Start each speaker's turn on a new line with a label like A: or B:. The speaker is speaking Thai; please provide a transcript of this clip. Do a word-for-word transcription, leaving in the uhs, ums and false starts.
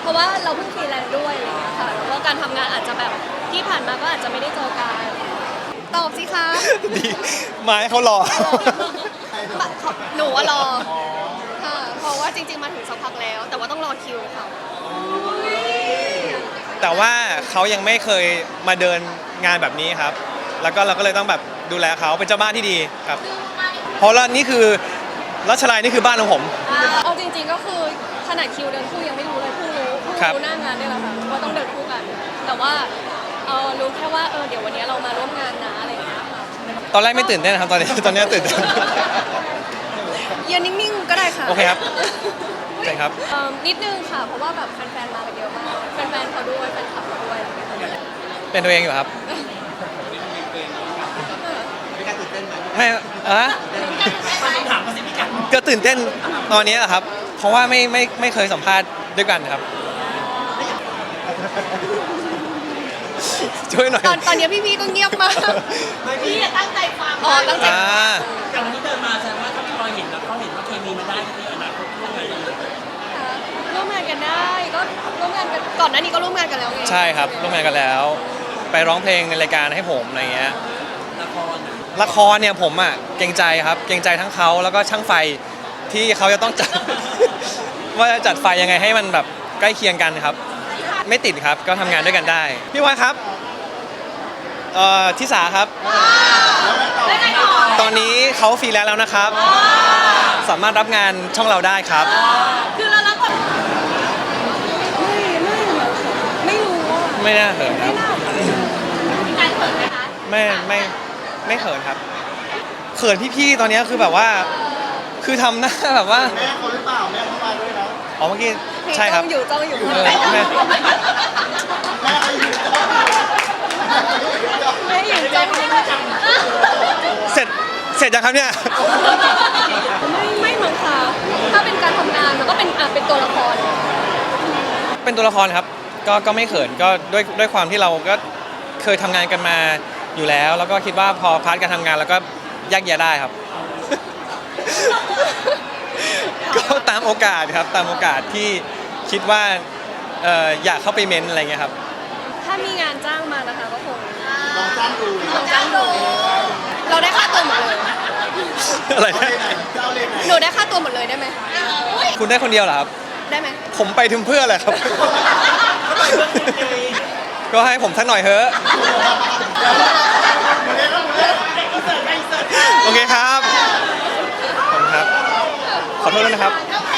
A: เพราะว่าเราเพิ่งฟรีแลนซ์ด้วยอะไรอย่างเงี้ยค่ะแล้วก็การทำงานอาจจะแบบที่ผ่านมาก็อาจจะไม่ได้เจอกันตอบสิคะ
B: ดีมาให้เขารอ
A: หนูว่ารอค่ะเพราะว่าจริงๆมาถึงสักพักแล้ว แต่ว่าต้องรอคิวค่ะ
B: แต่ว่าเขายังไม่เคยมาเดินงานแบบนี้ครับ แล้วก็เราก็เลยต้องแบบดูแลเขาเป็นเจ้าบ้านที่ดีครับ เพราะว่านี่คือรัชลัยนี่คือบ้านของผม
A: เอาจริงๆก็คือขนาดคิวเดินคู่ยังไม่รู้เลยเพิ่งรู้เพิ่ง
B: ครับ
A: รู้หน้างานนี่แหละค่ะว่าต้องเดินคู่กัน แต่ว่าเออรู้แค่ว่าเออเดี๋ยววันนี้เรามาร่วมงานนะอะไรอย่างเงี้ยค่ะ
B: ตอนแรกไม่ตื่นเต้นนะครับตอนนี้ ตอนนี้ตื่นเต้น
A: ยืนนิ่งๆก็ได้ค่ะ
B: โอเคครับ ใช่ครับ
A: เอิ่มนิดนึงค่ะ เพราะว่าแบบแฟนๆมากันเยอะมากแฟนๆเขาด้วยแฟนคลับเขาด้วยอะไรอย่างเงี้ย
B: เป็นตัวเองอยู่ครับไม่อะก็ตื่นเต้นตอนนี้แหละครับ เพราะว่าไม่ไม่ไม่เคยสัมภาษณ์ด้วยกันครับ ช่วยหน่อย
A: ตอนตอนนี้พี่ๆก็เงียบมาก
C: พี่อะตั้งใจฟัง
A: อ๋อตั้งใจ
B: อ่า
C: แต่วันนี้เดินมาแสดงว่าถ้าพี่บอยเห็นแล้วเขาเห็นว่าเคมีมันได้ในอนาคตร่วมงานกันเลย
A: ค่ะร่วมงานกันได้ก็ร่วมงานกันก่อนหน้านี้ก็ร่วมงานกันแล้วไง
B: ใช่ครับร่วมงานกันแล้ว ไปร้องเพลงในรายการให้ผมอะไรเงี้ย
C: ละครอะ
B: ละครเนี่ยผมอ่ะเกรงใจครับ เกรงใจทั้งเขาแล้วก็ช่างไฟที่เขาจะต้องจัด ว่าจะจัดไฟยังไงให้มันแบบใกล้เคียงกันครับ ไม่ติดครับก็ทำงานด้วยกันได้ พี่วายครับเอ่อทิสาครับ
A: แล้วไงต่อ
B: ตอนนี้เขาฟรีแลนซ์แล้วนะครับ สามารถรับงานช่องเราได้ครับ
A: คือเรารับบทไม่ไม่ไม่รู้อ่ะ
B: ไม่น่าเขินครับ
A: มีการเปิดไหมคะ
B: ไม่ไม่ไม่เขินครับ เขินพี่ๆตอนนี้คือแบบว่า คือทำหน้าแบบว่า
D: แม่เขาหรือเปล่าแม่เขามาด้วยนะ
B: อ๋อเมื่อกี้ใช่ครับ
A: จ้องอยู่จ้องอยู่
B: เออแม่
D: แม่เขาอยู่
A: แม่อยู่จ้องอยู่
B: เสร็จเสร็จยังครับเนี่ย
A: ไม่ไม่มั้งค่ะถ้าเป็นการทำงานมันก็เป็นอ่ะเป็นตัวละคร
B: เป็นตัวละครครับ ก็ก็ไม่เขินก็ด้วยด้วยความที่เราก็เคยทำงานกันมาอยู่แล้ว แล้วก็คิดว่าพอพาร์ทการทำงานแล้วก็แยกแยะได้ครับ ก็ตามโอกาสครับตามโอกาสที่คิดว่าเอ่ออยากเข้าไปเม้นอะไรเงี้ยครับ
A: ถ้ามีงานจ้างมานะคะก็คง
D: ลองจ้างดู
A: ลองจ้างดูเราได้ค่าตัวหมดเลย
B: อะไร
D: เอา
B: นะ
D: เลยไหนเจ้าเลยไหน
A: หนูได้ค่าตัวหมดเลยได้ไหม
B: คุณได้คนเดียวเหรอครับ
A: ได้ไหม
B: ผมไปถึงเพื่ออะไรครับ ก็ให้ผมสักหน่อยเถอะ โอเคครับ ขอบคุณครับ ขอโทษด้วยนะครับ